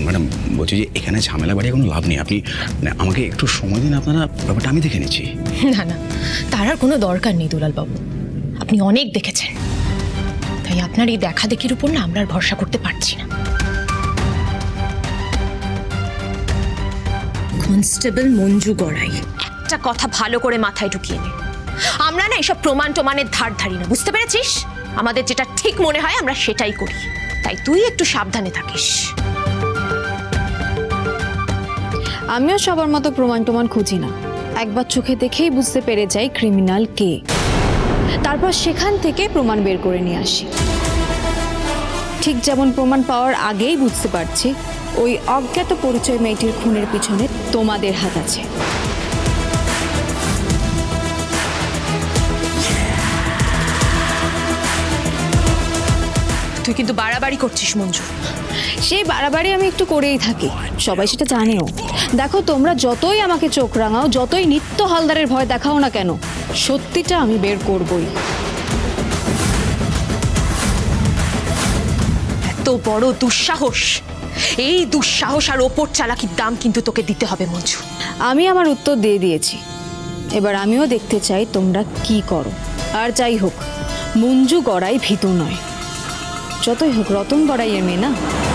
Madam বলছি যে এখানে ঝামেলা বাড়িয়ে কোনো লাভ নেই, আপনি মানে আমাকে একটু সময় দিন, আপনারা ব্যাপারটা আমি দেখে নিচ্ছি। না না, তার আর কোনো দরকার নেই দুলালবাবু, আপনি অনেক দেখেছেন, তাই আপনার এই দেখা দেখির উপর না আমরা আর ভরসা করতে পারছি না। কনস্টেবল মঞ্জু গড়াই, একটা কথা ভালো করে মাথায় ঢুকিয়ে নে, আমরা না এইসব প্রমাণ টমানের ধার ধারি না, বুঝতে পেরেছিস? আমাদের যেটা ঠিক মনে হয় আমরা সেটাই করি, তাই তুই একটু সাবধানে থাকিস। আমিও সবার মতো প্রমাণ টমান খুঁজি না, একবার চোখে দেখেই বুঝতে পেরে যাই ক্রিমিনাল কে, তারপর সেখান থেকে প্রমাণ বের করে নিয়ে আসি। ঠিক যেমন প্রমাণ পাওয়ার আগেই বুঝতে পারছি ওই অজ্ঞাত পরিচয় মেয়েটির খুনের পিছনে তোমাদের হাত আছে। তুই কিন্তু বাড়াবাড়ি করছিস মঞ্জু। সেই বাড়াবাড়ি আমি একটু করেই থাকি, সবাই সেটা জানেও। দেখো, তোমরা যতই আমাকে চোখ রাঙাও, যতই নিত্য হালদারের ভয় দেখাও না কেন, সত্যিটা আমি বের করবই। এত বড় দুঃসাহস, এই দুঃসাহস আর ওপর চালাকির দাম কিন্তু তোকে দিতে হবে মঞ্জু। আমি আমার উত্তর দিয়ে দিয়েছি, এবার আমিও দেখতে চাই তোমরা কি করো। আর যাই হোক, মঞ্জু গড়াই ভীতু নয়, যতই হোক রতন গড়াইয়ের মেয়ে না।